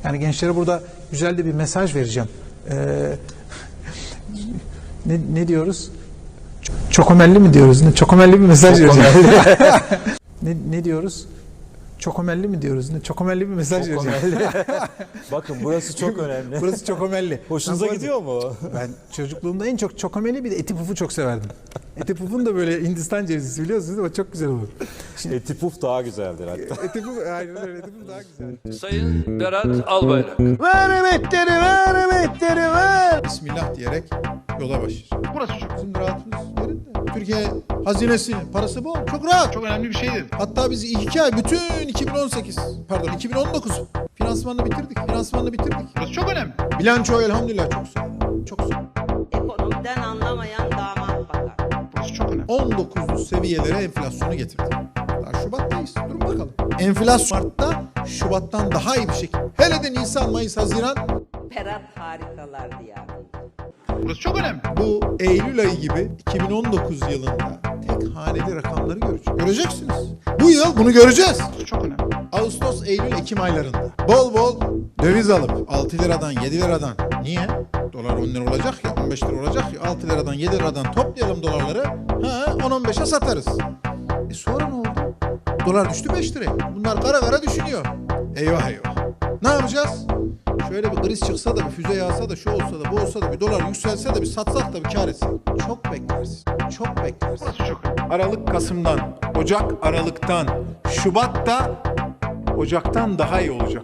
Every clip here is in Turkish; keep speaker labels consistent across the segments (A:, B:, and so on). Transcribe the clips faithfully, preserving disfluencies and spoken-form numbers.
A: Yani gençlere burada güzel de bir mesaj vereceğim. Ee, ne, ne diyoruz? Çokomelli mi diyoruz? Ne? Çokomelli bir mesaj vereceğim. ne, ne diyoruz? Çokomelli mi diyoruz? Ne? Çokomelli bir mesaj vereceğim.
B: Bakın burası çok önemli.
A: Burası çokomelli.
B: Hoşunuza gidiyor mu?
A: Ben çocukluğumda en çok çokomelli bir de eti pufu çok severdim. Eti pufun da böyle Hindistan cevizisi biliyorsunuz ama çok güzel olur.
B: Şimdi, eti puf daha güzeldir hatta.
A: Eti puf, aynen öyle, eti puf daha güzel.
C: Sayın Berat Albayrak.
D: Ver emetleri, ver emetleri, ver. Bismillah diyerek yola başlar. Burası çok bizim rahatımız yerinde. Türkiye hazinesinin parası bol. Çok rahat. Çok önemli bir şeydir. Hatta biz iki ay bütün iki bin on sekiz pardon iki bin on dokuz finansmanını bitirdik. Finansmanını bitirdik. Burası çok önemli. Bilanço elhamdülillah çok güzel. Çok güzel.
E: Ekonomiden anlamayan damat bakar.
D: Burası çok önemli. on dokuzlu seviyelere enflasyonu getirdik. Daha Şubat'tayız. Durun bakalım. Enflasyon Mart'ta Şubat'tan daha iyi bir şekilde. Hele de Nisan, Mayıs, Haziran.
E: Berat harikalar diyarı.
D: Burası çok önemli. Bu Eylül ayı gibi iki bin on dokuz yılında tek haneli rakamları göreceğiz. Göreceksiniz. Bu yıl bunu göreceğiz. Burası çok önemli. Ağustos, Eylül, Ekim aylarında bol bol döviz alıp altı liradan yedi liradan. Niye? Dolar on lira olacak ya, on beş lira olacak ya, altı liradan yedi liradan toplayalım dolarları. Ha, on on beşe satarız. E sonra ne oldu? Dolar düştü beş liraya. Bunlar kara kara düşünüyor. Eyvah eyvah. Ne yapacağız? Şöyle bir kriz çıksa da bir füze yağsa da şu olsa da bu olsa da bir dolar yükselse de bir satsak da bir kar etsek. Çok beklersin. Çok beklersin. Çok. Aralık Kasım'dan, Ocak Aralık'tan, Şubat'ta Ocak'tan daha iyi olacak.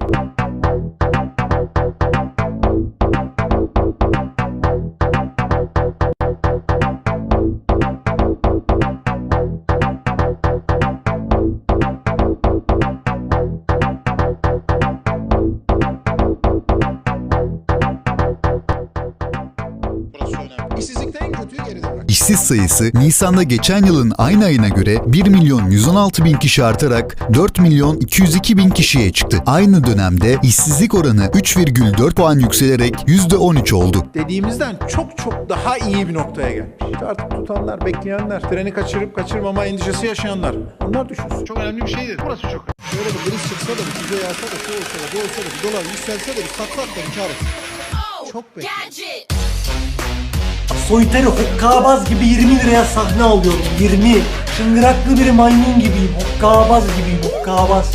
D: İşsizlikte en kötüyü geride bırak.
F: İşsiz sayısı Nisan'da geçen yılın aynı ayına göre bir milyon yüz on altı bin kişi artarak dört milyon iki yüz iki bin kişiye çıktı. Aynı dönemde işsizlik oranı üç virgül dört puan yükselerek yüzde on üç oldu.
D: Dediğimizden çok çok daha iyi bir noktaya gelmiş. Artık tutanlar, bekleyenler, treni kaçırıp kaçırmama endişesi yaşayanlar. Onlar düşünsün. Çok önemli bir şeydir. Burası çok önemli. Şöyle bir kriz çıksa da bir füze yağsa da şu olsa da bu olsa da bir dolar yükselse de bir satsak da bir kar etsin. Çok bekliyorum.
G: Soytarı hokkabaz gibi yirmi liraya sahne alıyorum. yirmi. Çıngıraklı bir maymun gibiyim. Hokkabaz gibiyim. Hokkabaz.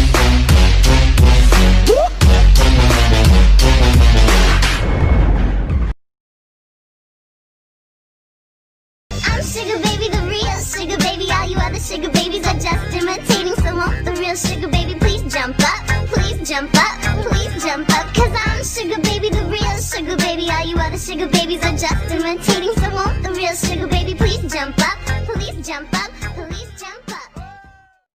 H: I'm sugar baby, the real sugar baby. All you other sugar babies are just imitating. So won't the real sugar baby please jump up, please jump up, please jump up. Cause I'm sugar baby, the real sugar baby. All you other sugar babies are just imitating. So won't the real sugar baby please jump up.